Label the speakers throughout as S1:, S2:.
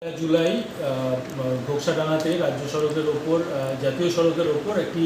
S1: জুলাই ঘোকসাডাঙ্গাতে রাজ্য সড়কের ওপর জাতীয় সড়কের ওপর একটি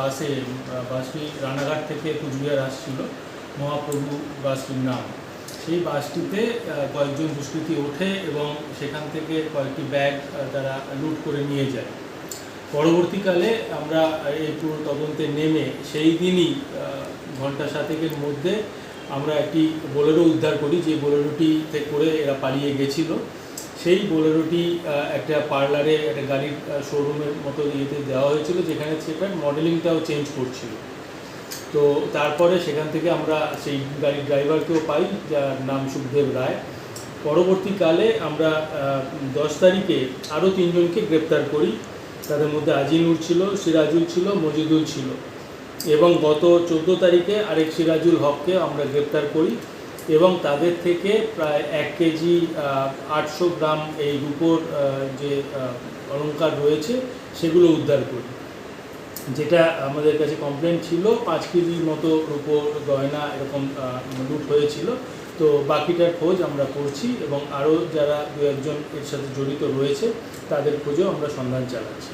S1: বাসটি রানাঘাট থেকে কুচবিহার আসছিল, মহাপ্রভু বাসটির নাম। সেই বাসটিতে কয়েকজন দুষ্কৃতী ওঠে এবং সেখান থেকে কয়েকটি ব্যাগ তারা লুট করে নিয়ে যায়। পরবর্তীকালে আমরা এই পুরো তদন্তে নেমে সেই দিনই ঘন্টা 7-এর মধ্যে আমরা একটি বোলেরো উদ্ধার করি, যে বোলেরোটিতে করে এরা পালিয়ে গেছিলো। সেই বোলেরোটি একটা পার্লারে, একটা গাড়ির শোরুমের মতো ইয়েতে দেওয়া হয়েছিল, যেখানে সেটার মডেলিংটাও চেঞ্জ করছিল। তো তারপরে সেখান থেকে আমরা সেই গাড়ির ড্রাইভারকেও পাই, যার নাম সুখদেব রায়। পরবর্তীকালে আমরা 10 তারিখে আরও 3 জনকে গ্রেপ্তার করি। তাদের মধ্যে আজিনুর ছিল, সিরাজুল ছিল, মজিদুল ছিল, এবং গত 14 তারিখে আরেক সিরাজুল হককে আমরা গ্রেপ্তার করি এবং তাদের থেকে প্রায় 1 কেজি 800 গ্রাম এই রূপোর যে অলংকার রয়েছে সেগুলো উদ্ধার করি। যেটা আমাদের কাছে কমপ্লেন ছিল 5 কেজির মতো রূপোর গয়না এরকম লুট হয়েছিল। তো বাকিটার খোঁজ আমরা করছি এবং আরও যারা 2-1 জন এর সাথে জড়িত রয়েছে তাদের খোঁজেও আমরা সন্ধান চালাচ্ছি।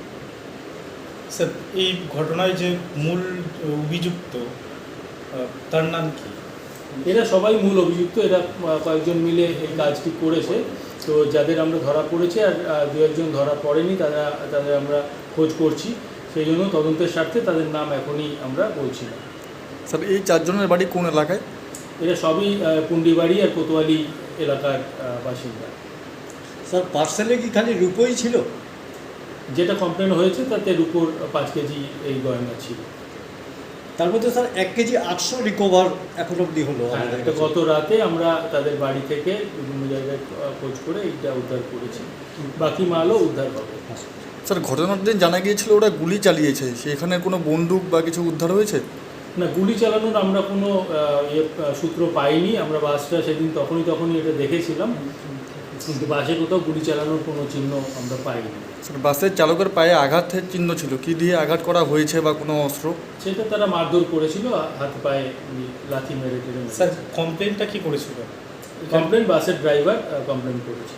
S2: স্যার, এই ঘটনায় যে মূল অভিযুক্ত তার নাম কি?
S1: এরা সবাই মূল অভিযুক্ত, এরা কয়েকজন মিলে এই কাজটি করেছে। তো যাদের আমরা ধরা পড়েছে আর 2-1 জন ধরা পড়েনি, তাদের আমরা খোঁজ করছি। সেই জন্য তদন্তের স্বার্থে তাদের নাম এখনই আমরা বলছি না।
S3: স্যার, এই 4 জনের বাড়ি কোন এলাকায়?
S1: এরা সবই পুন্ডিবাড়ি আর কোতোয়ালি এলাকার বাসিন্দা।
S4: স্যার, পার্সেলে কি খালি রূপোই ছিল?
S1: যেটা কমপ্লেন হয়েছে তাতে রূপোর 5 কেজি এই গয়না ছিল।
S4: তার মধ্যে স্যার 1 কেজি 800 রিকভার এখন অবধি হলো।
S1: এটা গত রাতে আমরা তাদের বাড়ি থেকে বিভিন্ন জায়গায় খোঁজ করে এইটা উদ্ধার করেছি, বাকি মালও উদ্ধার হবে।
S3: স্যার, ঘটনার দিন জানা গিয়েছিল ওরা গুলি চালিয়েছে, সেখানে কোনো বন্দুক বা কিছু উদ্ধার হয়েছে?
S1: না, গুলি চালানোর আমরা কোনো সূত্র পাইনি। আমরা বাসটা সেদিন তখনই এটা দেখেছিলাম, কিন্তু বাসে কোথাও গুলি চালানোর কোনো চিহ্ন আমরা পাইনি।
S3: স্যার, বাসের চালকের পায়ে আঘাতের চিহ্ন ছিল, কি দিয়ে আঘাত করা হয়েছে বা কোনো অস্ত্র?
S1: সেটা তারা মারধর করেছিল, হাত পায়ে লাথি মেরে টেনে।
S2: স্যার, কমপ্লেনটা কি করেছিল?
S1: কমপ্লেন বাসের ড্রাইভার কমপ্লেন করেছে।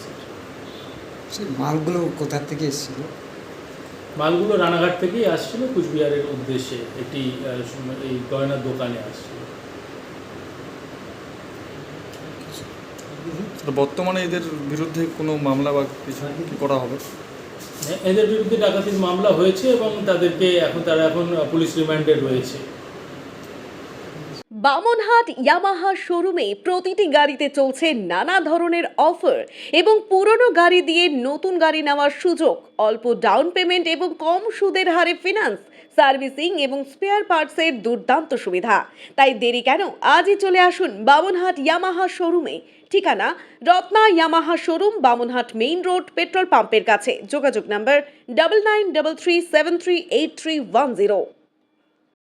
S5: সেই মালগুলো কোথা থেকে এসেছিল?
S1: মালগুলো রানাঘাট থেকেই আসছিল, কুচবিহারের উদ্দেশ্যে একটি এই গয়নার দোকানে আসছিল।
S3: বর্তমানে এদের বিরুদ্ধে কোনো মামলা বা কিছু কি করা হবে?
S1: এদের বিরুদ্ধে ডাকাতির মামলা হয়েছে এবং তারা এখন পুলিশ রিমান্ডে রয়েছে।
S6: বামনহাট ইয়ামাহা শোরুমে প্রতিটি গাড়িতে চলছে নানা ধরনের অফার এবং পুরনো গাড়ি দিয়ে নতুন গাড়ি নেওয়ার সুযোগ, অল্প ডাউন পেমেন্ট এবং কম সুদের হারে ফিনান্স, সার্ভিসিং এবং স্পেয়ার পার্টসের দুর্দান্ত সুবিধা। তাই দেরি কেন, আজই চলে আসুন বামনহাট ইয়ামাহা শোরুমে। ঠিকানা Ratna Yamaha showroom, Bamanhat main road, petrol পাম্পের কাছে। যোগাযোগ নম্বর 9933738310।